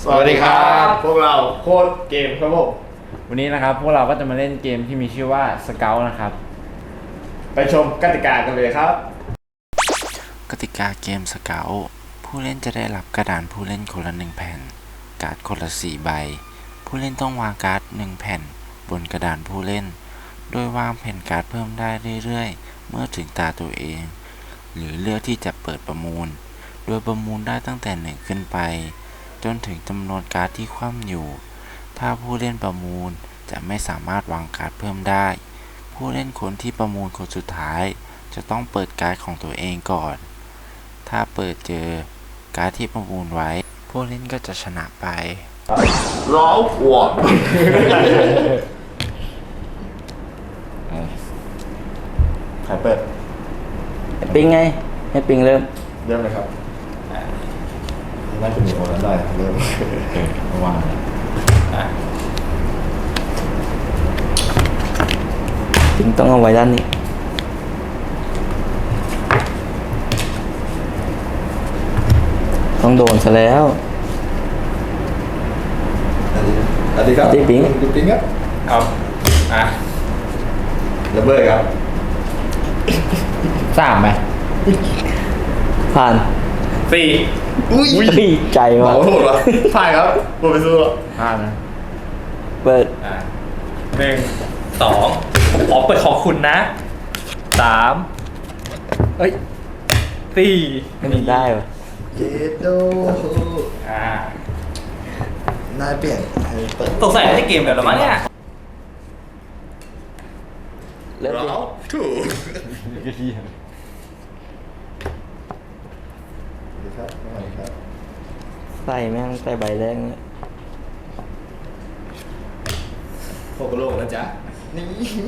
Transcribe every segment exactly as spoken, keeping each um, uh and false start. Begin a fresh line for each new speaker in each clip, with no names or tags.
สวัสดีครับพวกเราโค้ดเกมครับผม
วันนี้นะครับพวกเราก็จะมาเล่นเกมที่มีชื่อว่าสเกลนะครับ
ไปชมกติกากันเลยครับ
กติกาเกมสเกลผู้เล่นจะได้รับกระดานผู้เล่นคนละหนึ่งแผ่นการ์ดคนละสี่ใบผู้เล่นต้องวางการ์ดหนึ่งแผ่นบนกระดานผู้เล่นโดยวางแผ่นการ์ดเพิ่มได้เรื่อยๆเมื่อถึงตาตัวเองหรือเลือกที่จะเปิดประมูลโดยประมูลได้ตั้งแต่หนึ่งขึ้นไปจนถึงจำนวนการ์ดที่คว่ำอยู่ถ้าผู้เล่นประมูลจะไม่สามารถวางการ์ดเพิ่มได้ผู้เล่นคนที่ประมูลคนสุดท้ายจะต้องเปิดการ์ดของตัวเองก่อนถ้าเปิดเจอการ์ดที่ประมูลไว้ผู้เล่นก็จะชนะไป
ร้าวหัวใครเปิด
ให้ปิงไงให้ปิงเริ่ม
เริ่มเลยครับน่าจะมีคนนั้นได้เริ่มระวัง
ปิงต้องเอาไว้ด้านนี้ต้องโดนซะแล้ว
สวัสดีครับ
สวัสดีปิง
ปิงครับครับอ่ะระเบิดครับ
สามไหม
ผ่าน
สี่อุ้ย
ใจว่ะ
โหดวะผ่านครับหมดไปสู้แล้ว
ผ่านนะ
เปิด
อ่ะหนึ่งสองขอเปิดขอบคุณนะสามเอ้ยสี่
ไม่มีได้ว่ะ
เจโด
อ่า
นายเปลี่ยน
สงสัยไม่ได้เกมแบบหรอมั้งเนี่ย
เริ่มดิ
ถูก
ใส่แม่งใส่ใบแดงเนี่ย
โคโกโร่นะจ๊ะนี่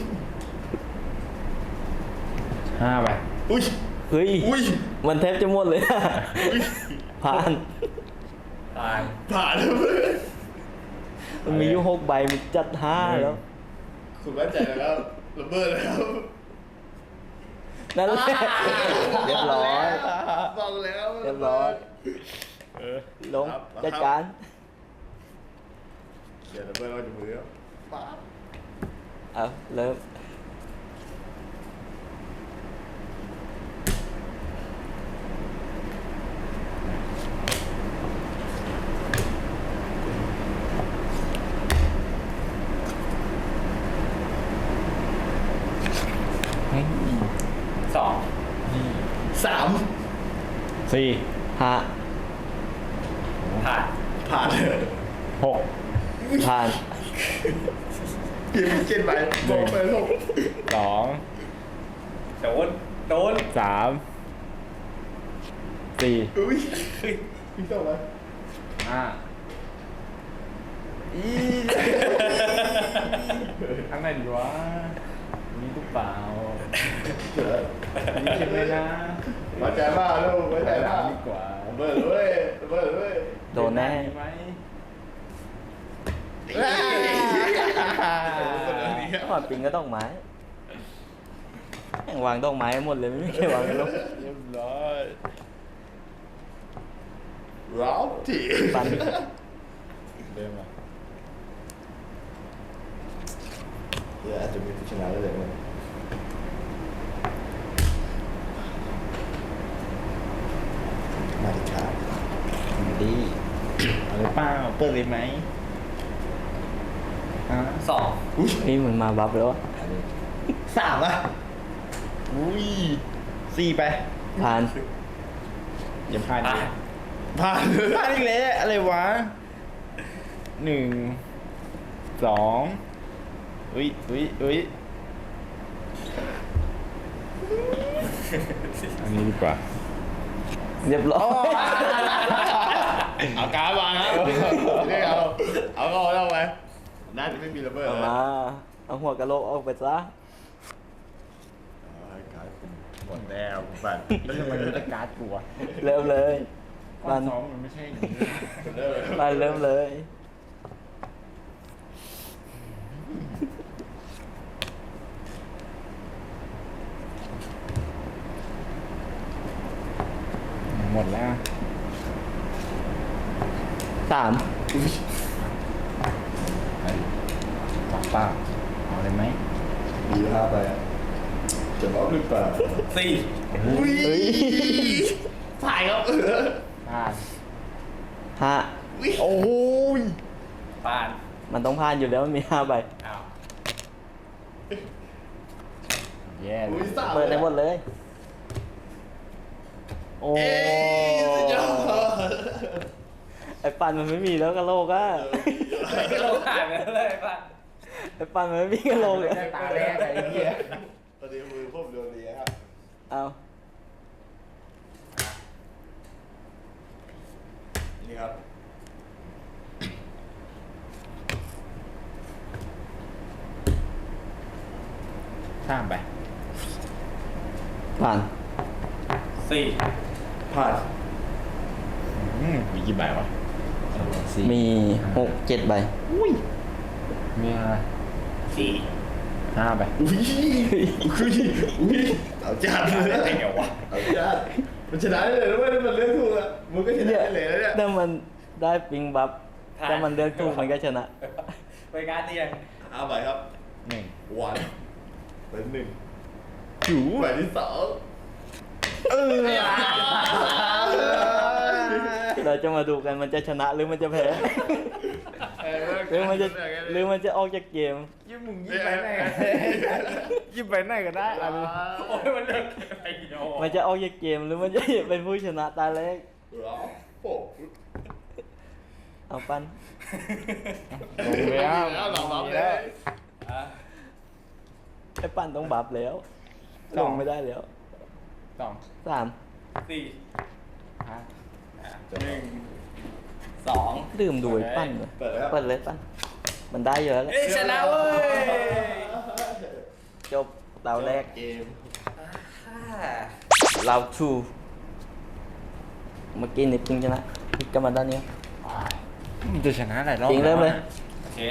ห้าไป
อุ้ย
เฮ้ย
อุ้ย
มันแทบจะหมดเลยผ่าน
ผ่าน
ผ่าน
มันมีอยู่หกใบมันจัดห้าแล้ว
คุณมั่นใจแล้วระเบิดแล้ว
นั่นแหละเรียบร้อย
บอกแล้ว
เรียบร้อยลงจัดการ
เดี๋ยวระเบิดเราจะมือแล้วป๊าบ
เอาเริ่ม
สอง
สาม
สี่
ห้า
ผ่าน
ผ่านเลย
หก
ผ่าน
เกมเกมไปบอกไปหก
สอง
โดนโดน
สามสี่
อุ้ยพี่ต้องไหม
ห้าอีข้างในดีวะมีตุ๊กเปล่ามีเข็มเลยนะ
มาใจมากลูกมาใจมาก
ดีกว่า
เบิร์ดเลยเบิร์ดเลย
โดนแน่
ไหม
หอดปิงก็ต้องไม้แม่งวางต้องไม้หมดเลยไม่ใช่วางกันลง
เรียบร้อยร้าวจี
ปัน
เริ่มมาเดี๋ยวอาจจะมีผู้ชนะได้เลยมาดิครับ
ดีอะไรเปล่าเปิดเลยไหม
สอง
นี่มันมาบัฟแล้ว
สามอ่ะ
อุ้ยสี่ไป
ผ่าน
อย่าผ่านดิ
ผ่าน
ผ่านอีกแล้วอะไรวะหนึ่งสองอุ้ยอุ้ยอุ้ยอันนี้ดีกว่า
เรียบร้อย
เอาการวางครับเรียกเอาเอาก็เอาไปน่าจะไม่มีระเบิด
เอามาเอาหัวกะโหลกออกไปซะ
หมดแล้วบัตร
แล้วทำไมรู้จักการ์ดกูวะ
เริ่มเลย
บ้านซ้อมมันไม่ใช่อย่างนี้
บ้านเริ่มเลย
หมดแล้ว
สาม
สองเปล่าเอาเลยไหม
ดีห้าไปอะจะรับหรือเปล่า
สี่
อุ้ยถ่ายครับเออ
ผ่าน
ห้า
โอ้ย
ผ่าน
มันต้องผ่านอยู่แล้วมันมีห้าใบ
อ้าว
แย่เล
อุ้ย
ย
สาม
เปิดได้หมดเลย
โอ้
เอ้ยสุดยอด
ไอ้ปันมันไม่มีแล้วกะโหลกอะ
ไม่ก็ลงหายไปแล้วเลยป่ะ
ไอ้ปันมันไม่มีกะโหลกเลย
ตาแรกไอ้เหี้ย
ตอนนี้มือผมโดนดีครับ
เอา
นี่ครับ
ข้ามไป
ผ่าน
สี่
ผ่าน
อืมมีกี่ใบวะสี่
มีหกเจ็ดใบ
มีอะไร
สี่
ห้าใบ
อุ้ยอุ้ยอุ้ยเอาจัดเลย
ได้ไงวะ
เอาจัดมันชนะได้เลยนะเว้ยถ้ามันเลือกถูกอะมึงก็ชนะได้เลยนะเนี่ย
ถ้ามันได้ปิงบัฟถ้ามันเลือกถูกมันก็ชนะ
ไปการเตียง
ห้าใบครับ
หนึ่ง
วันเป็นหนึ่ง
จู
ใบที่สอง
เออ
เราจะมาดูกันมันจะชนะหรือมันจะแพ้หรือมันจะหรือมันจะออกจากเกม
ยิ้มมึงยิ้มไปไหนกันยิ้มไปไหนก็ได้อันนี้
โอ้ยมันเลิกไอ้โย
มันจะออกจากเกมหรือมันจะเป็นผู้ชนะตาแรก
รอโอ้
เอาปัน
ลงแล้ว
แล้วหลัง
ล
บั
ง
ฟเล
แล้ว
ย
อ่ะ
ไอ้ปันต้องบัฟแล้ว
ส
ล
อง
งไม่ได้แล้ว
สอง
สาม
สี่
ห้า
อ่ะหนึ่งสอง
ดื่มดูไอ้ปั้นเลย
เปิดแล้ว
เปิดเลยปั้น มันได้เยอะแล้ว
เอ้ยชนะเว้ย
จบเราแรก
เกม
อ่า
เราทูเมื่อกี้นี่ปิงชนะปิงก็มาด้านนี้
มันจะชนะหลายรอบ
ปิงเริ่มเลย
โอเค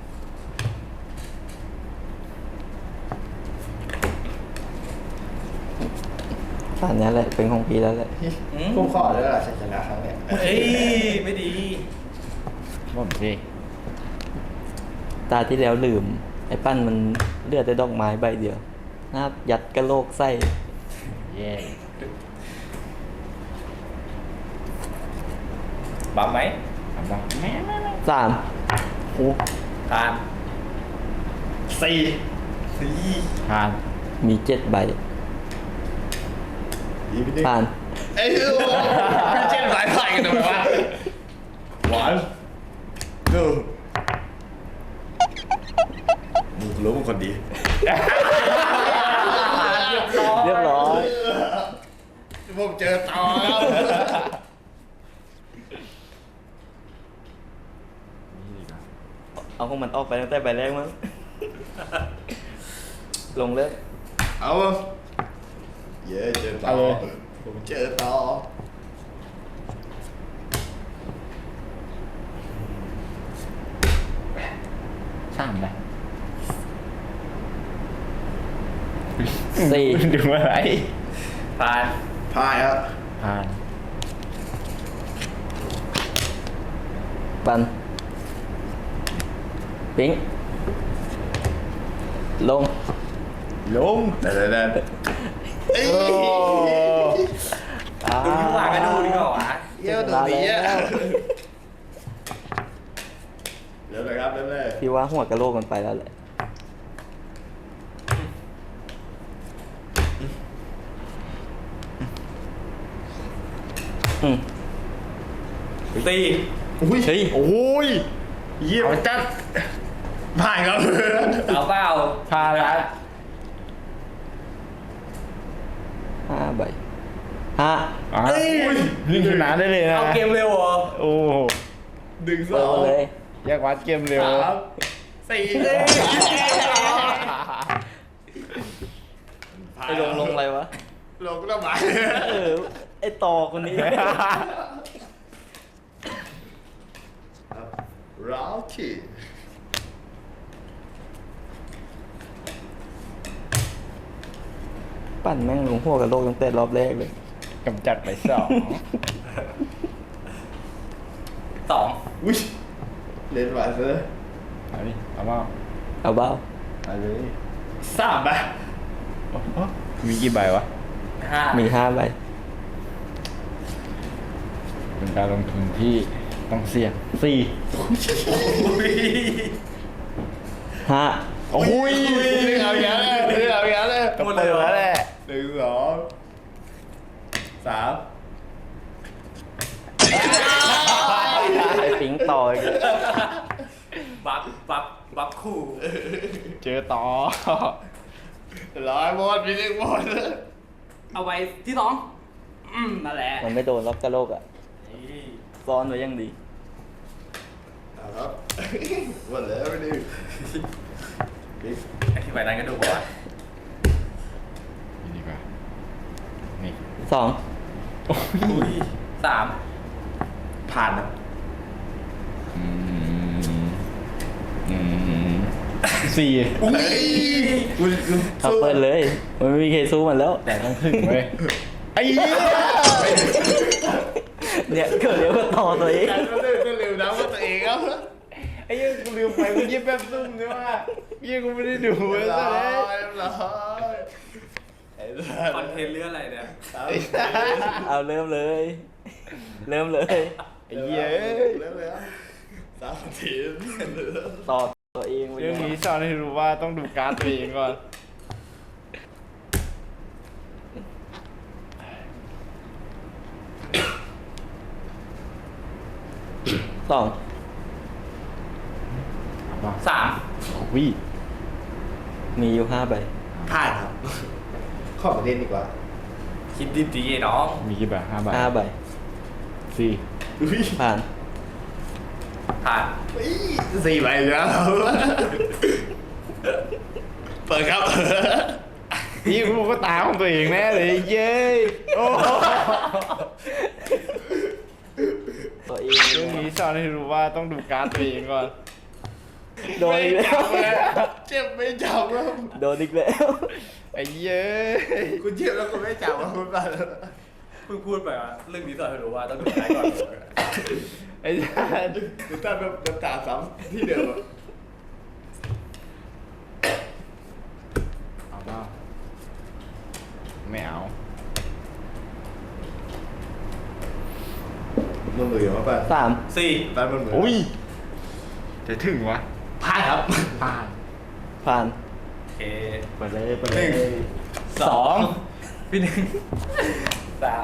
ผ่านนี้แหละเป็นของพีแล้วแหละ
อืม
ผมขอเลยล่ะชัยชนะครั้งเนี้ย
เฮ้ยไม่ดี
หมดสิ
ตาที่แล้วลืม ไอ้ปั้นมันเลือดแต่ดอกไม้ใบเดียวน่ายัดกระโหลกไส้
แย่
บัฟไหม
ทำบ้างแม่แม่แม่
สาม
โอ้
ผ่าน
สี่
สี่
ผ่าน
มีเจ็ดใบ
ดีไปดิ
ผ่าน
เอ้ยโอ้ไม่เช่นสายไฟกันทำไมวะหวานดูมึงรู้มึงคนดี
เรียบร้อย
ผมเจอตอ
เอาของมันออกไปตั้งแต่ใบแรกมั้ง ลงเลย
เอาเย้เจอตอผมเจอตอ
สามไป
สี่
ดูอะไร
ผ่าน
พายครับ
ผ่าน
ปัน ปิง ลง
ลง
แต่แต่แต่เอ้ย
อ่า
ดูที่วางกันดูดีกว่าวะ
เยี่ยมตัวดีอ่ะเริ่มเลยครับเริ่มเลย
พี่ว่าหัวกระโหลกมันไปแล้วแหละ อืม
สี่
อุ้ย
เฮ้ย
โอ้ยเยี่ยม
เอาจัด
ผ่านครับ
เอาเปล่า
ผ่านแล้ว
ห้าใบห้า
อ่ะนี่ชนะได้เลยนะ
เอาเกมเร็วเหรอ
โอ้โห
ดึงส
เปิ
อ
ด
ง
มาเลย
แยกวัดเกมเร็ว
สามสี่
ไอ้ลงลงอะไรวะ
ลงก็ต้องมา
เออ ไอ้ต่อคนนี้
ร้าวที่
ปั่นแม่งลงหัวกระโหลกตั้งแต่รอบแรกเลย
กำจัดไปสอง
สอง
อุ้ยเล่นหวานซะเลย
เอาดิเอาเปล่า
เอาเบ้า
เอาเลย
สามไป
โอ้โหมีกี่ใบวะ
ห้า
มีห้าใบ
เป็นการลงทุนที่ต้องเสี่ยงสี่
อุ้ย
ห้า
โอ้ย
เรื่องเอาอย่างนั้นเลยเรื่องเอาอย่างนั้นเลย
ก็เปิดแล้วแหละ
หนึ่งสองสาม
ไอ้ปิงต่ออีก
บัฟบัฟบัฟคู่
เจอต่อ
ร้อยหมดมีเรื่องหมด
เอาไว้ที่สองอืมนั่นแหละ
มันไม่โดนล็อกกระโลกอ่ะ
นี่
ซ้อนไว้ยังดี
เอาครับหมดแล้วไม่ได้
ไอ้ที่ใบนั้นก็ดูบอกว่า
นี่ดีกว่า นี่
สอง
อุ้ยสาม
ผ่านนะ
อืมอืมสี่
อุ้ย
เอาเปิดเลย มันไม่มีใครสู้มันแล้ว
แต่ต้องถึงเว้ยไอ้เหี้ย
เนี่ยเกิดเร็วก็ต่อตัวเอง
การก็เล่นก็เร็วนะว่าตัวเองครับ
ไอ้เหี้ยกูลืมไปกูยิบแบบซุ่มใช่ไหมเหี้ยกูไม่ได้ดู
เรี
เลย ย
บร้
ซะ
อ
เลย
ยเรียบร้อยไอ้สัส
คอนเทนต์เรื่องอะไรเนี่ย
เอาเริ่มเลย เริ่มเลย
ไอ้เหี้ย
เริ่มเลยครับสามที
ต่อตัวเองไป
เรื่อง
เลย
นี้สอนให้รู้ว่าต้องดูการ์ดตัวเองก่อน
สอง
สาม
วิ
มีอยู่ห้าใบ
ผ่านครับข้อประเด็นดีกว่า
คิดดีๆน้อง
มีกี่ใบห้าใบ
ห้าใบ
สี่
อุ้ย
ผ่าน
ผ่าน
สี่ใบแล้วเปิดครับ
นี่กูก็ตาของตัวเองแน่เลยเย้ยโอ้
ตัวเอง
เรื่องนี้สอนให้รู้ว่าต้องดูการ์ดตัวเองก่อน
โดนอีกแล้ว
เจ็บไม่จับครับ
โดนอีกแล้ว
ไอ้เย้ย
คุณเจ็บแล้วคุณไม่จับครับคุณบ้า
เพิ่งพูดไปว่าเรื่องนี้สอนให้รู้ว่าต้องดูท้ายก่อน
ไอ้สัส
หรือตั้งแบบน้ำตาซ้ำที่เดิม
เอาเปล่าไม่เอา
มันเหมือนว่าป่ะ
สาม
สี่
บ้านมันเหมือน
อุ้ยจะถึงวะ
ผ่านครับ
ผ่าน
ผ่าน
โอเค
ไปเลยไปเลย
สองพี่หนึ่งสาม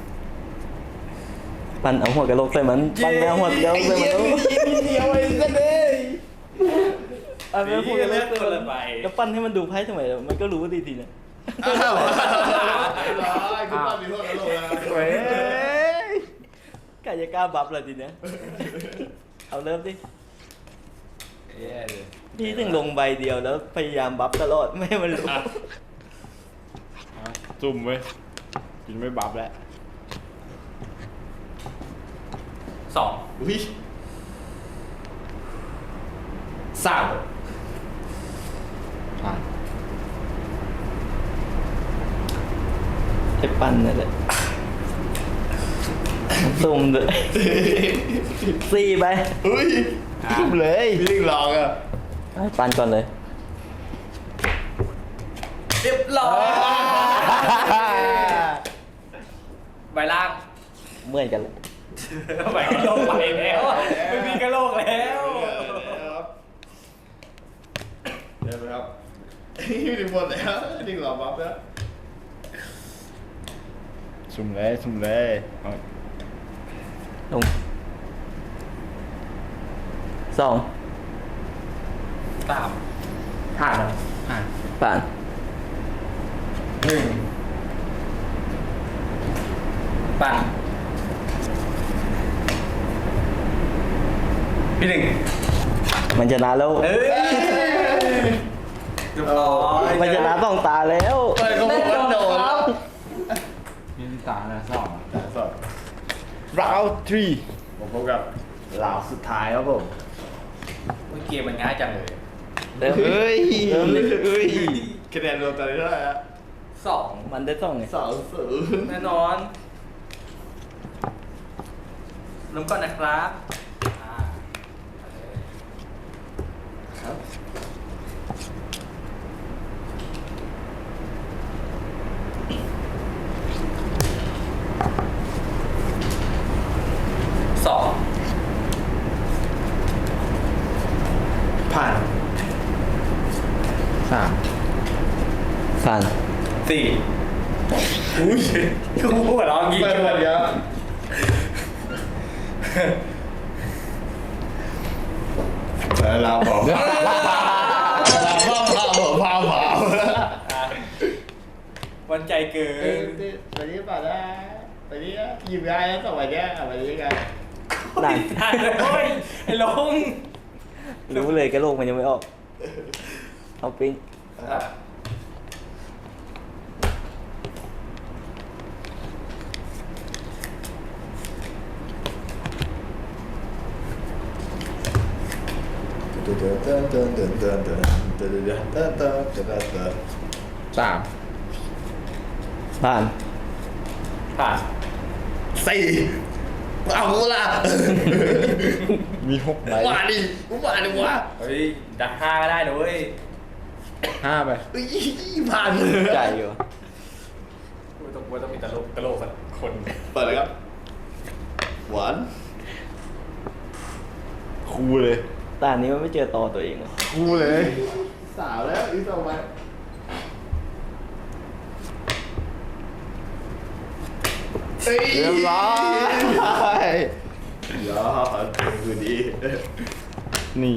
ปันเอาหัวกระโหลกใส่มันปันไม่เอาหัวกระโหลกใส่มันแล้ว
เดียวไอ้สัสเลย
ปันไม่เอาหัวกระโหล
เลือก
กใส่
คน
มั
ละ
น
ใบ
แล้วปั้นให้มันดูไพ่ทำไมมันก็รู้ดีทีนะ
อ้าวร้อยคุณบ้านมีโทษกันโลกนะ
เว้ย
กายจะกล้าบัฟเลยทีเนี้ย เอาเริ่มดิ
แย่เลย
พี่ถึงลงใบเดียวแล้วพยายามบัฟตลอดไม่ให้มันรู้
เอาจุ่มเว้ยกินไม่บับแล้ว
สอง
อุ้ยสาม
ผ่าน
ไอ้ปั้นนั่นแหละซุ่มเลยสี่ใบ
อุ้ย
จุ่มเลย
พี่ลิงลองอ่ะ
ให้ปั้นก่อนเลย
เรียบร้อยใบล่าง
เหมือนกันเลย
ใบกระโหลกไปแล้วไม่มีกระโหลกแล้ว
เดี๋ยวไหมครับพี่ลิงหมดแล้วลิงหลอกบัฟแล้ว
สุ่มเลยสุ่มเลยเอา
ลงสอง
สาม
ผ่านครับ
ผ่าน
ผ่าน
หนึ่งปั่นพี่หนึ่ง
มันชนะแล้ว
เอ้ยเรียบร้อย
มันชนะต้องตาแล้ว
เปิดก็บอกว่าโดนแล้ว
มีตาแล้วสอง
แต่สด
ราวทรี
ผมพบกับเหล่าสุดท้ายครับผม
เมื่อกี้มันง่ายจังเลย
เริ่ม
เฮ้ย
เริ่มดิ
เฮ้ย
คะแนนรวมตอนนี้เท่าไหร่ฮะ
สอง
มันได้สองไง
สองศูนย์
แน่นอนเริ่มก่อนนะครับ
สาม
ผ่าน
สี่อุ้ยกูหัวเราะงี้
เปิดหมดเยอะเราบอกเราเผาเผาเผาเผา
วันใจเกิ
เอ้ย
น
ไปนี้ป่ะนะไปนี้หยิบได้แล้วสมัยเนี้ยไปนี้กัน
ได้
ได้เลยโอ้ยไอ้ลง
รู้เลยกระโหลกมันยังไม่ออก เอาปิ้ง
สาม
ผ่าน
ผ่าน
สี่เอากูละ
มีหกใบ
มาดิกูมาดิวะ
เฮ้ยดักห้าก็ได้นะเว้ย
ห้าไป
ผ่าน
ใจอยู่
กูต้องกูต้องมีตลกตลกสักคน
เปิดเลยครับหวาน
คูเลย
ตานี้มันไม่เจอต่อตัวเองอะ
คูเลย
สาวแล้วอีกต่อไปเรียบร้อยยอดคือดี
นี่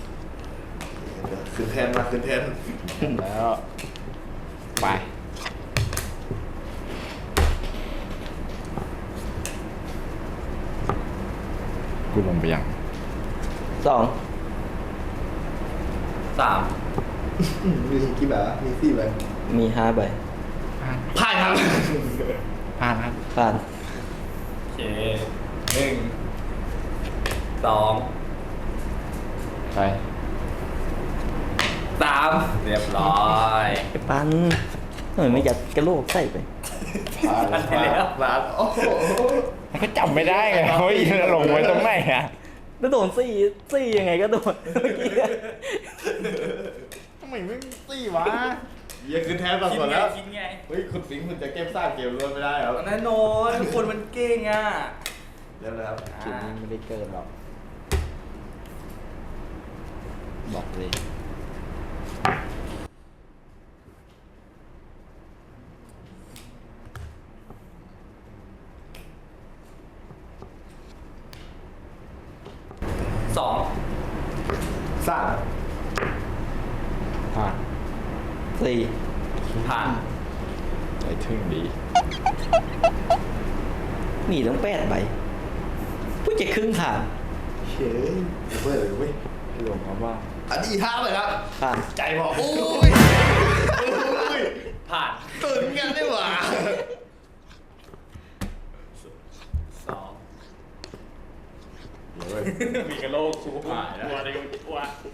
ขึ้นแทนมาขึ้นแทน
แล้วไปกูลงไปยัง
สอง
สาม
มีกี่แบบมีสี่ใบ
มีห้าใบ
ผ่านครับ
ผ่านครับ
ผ่าน
โอเคหนึ่งสอง
ไป
สามเรียบร้อย
ไอ้ปันทำไมไม่ยัดกระโหลกใส่ไป
ผ่าน
ผ่านไปแล้ว
ผ่านโอ้โห
มันก็จำไม่ได้ไงเฮ้ยลงไว้ตรงไหนอะ
แล้วโดนซี่ซี่ยังไงก็โดนเมื่อกี้
ทำไมไม่สี่วะ
เยี่ยขึ้นแทนมา
คิด
ก่อน
ไง
แล้ว
คิดไง
เฮ้ยคุณสิงห์คุณจะเก็บสร้างเกมรวมไม่ได้ครับ
แน่นอนคนมันเก่งอ่ะ
เริ่มแล้วครับ
เกมนี้ไม่ได้เกินหรอกบอกเลย
สอง
สร้าง
ผ่าน
สี่
ผ่าน
ใจถึงดี
หนีต้องแปดใบเพิ่งจะครึ่งทาง
เฮ้ยเปิดเลยเว้ย
ลงเอาว่า
อันนี้ห้าเลยครับ
ผ่าน
ใจบอกโอ้ยโอ้ย
ผ่าน
ตื่นกันได้หว่า
สองมีกระโหลกกูผ่านตัวเดียวตัว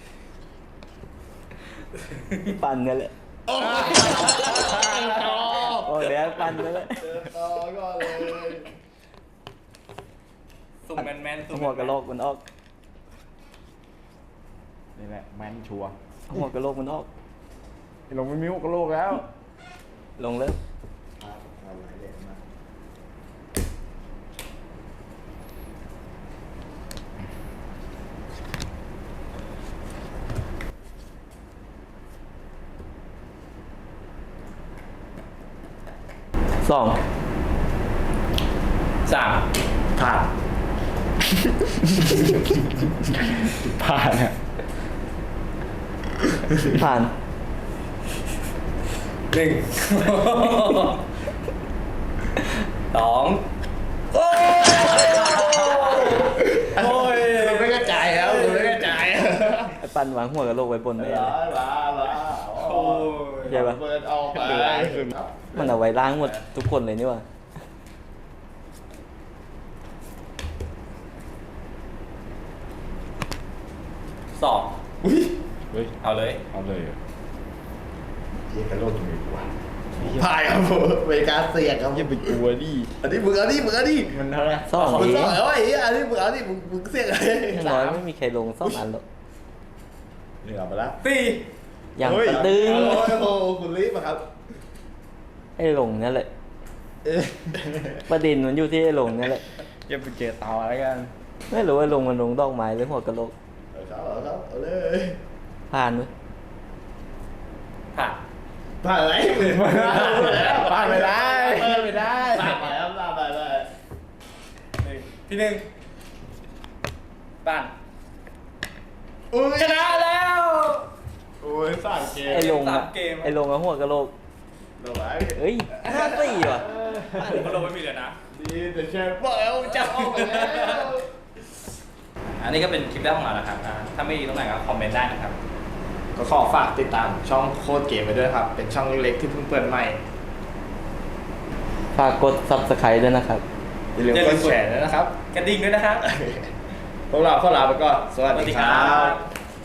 ปันนั่นแหละ
โอ้ย
โอ้ยแล้วปันนั่นแหละ
เจอต่อก็เลย
สุ่มแมนแมนๆสุ่ม
หัวกระโหลกมันออก
นี่แหละแมนชัวร์
หัวกระโหลกมันออก
ลงไม่มีหกกระโหลกแล้ว
ลงเลย
เอาไว้เด็ดมา
สอง
สาม
ผ่าน
ผ่านอะ
ผ่าน
หนึ่งสองโอ้ย
คุณไม่กระจายแล้วคุณไม่กระจาย
ไอ้ปันวางหัวกระโหลกไว้บน
ลา
ได้เลย
ลาลา
โอ้ย
ใช่ปะ
เปิดออกไป
มันเอาไว้ล้างหมดทุกคนเลยนี่หว่า
สอง
อุ้ย
เฮ้ย
เอาเลย
เอาเลย
เยี่ยกระโดดตรงนี้กว่าผ่านครับผมเวกาเสียงครับ
อย่าไปกลัวดิ
อันนี้มึงเอาดิมึงเอาดิ
มันเท่าไหร่
สอง
มึง
เอ
ต้อง งเอาไอ้อันนี้มึงเอาดิมึงมึงเสียงอะไร
อย่างน้อยไม่มีใครลงสองอันหรอก
เหนือมาแล้ว
สี่
อย่าง
เฮ้ย
กระตึง
โอ้ยโอ้โหคุณรีบอะครับ
ไอ้ลงนั่นแหละ
เอ๊ะ
ประเด็นมันอยู่ที่ไอ้ลงนั่นแหละ
อย่าไปเจอต่อแล้วกัน
ไม่รู้ว่าลงมันลงดอกไม้หรือหัวกระโหลก
เอาครับเอาครับเอาเลย
ผ่านไหม
ผ่าน
ผ่านอะไรผ่านไปแล้ว
ผ่านไม่ได้
ผ่านไปแล้วผ่านไปเลย
หนึ่งพี่หนึ่งปั้น
อุ้ย
ชนะแล้ว
โอ้ยสามเกม
ไอ้ลง
สา
อะ
มเกม
ไอ้ลงอะหัวกะโหลก
ลงไว้
เอ้ยห้าสี่ว่ะ
ผมก็ลงไม่มีเลยนะ
ดีแต่เชฟบอกแล้วจะออกไปแล้ว
อันนี้ก็เป็นคลิปแรกของเรานะครับอ่าถ้าไม่ดีตรงไหนก็คอมเมนต์ได้นะครับ
ก็ขอฝากติดตามช่องโคตรเกมไปด้วยครับ เป็นช่องเล็กๆที่เพิ่งเปิดใหม่
ฝากกด ซับสไครบ์ ด้วยนะครับ
อย่าลืมกดแชร์ด้วยนะครับ
กระดิ่งด้วยนะครับ
พวกเราขอลาไปก่อน สวัสดีครับ
สวัสดีครับ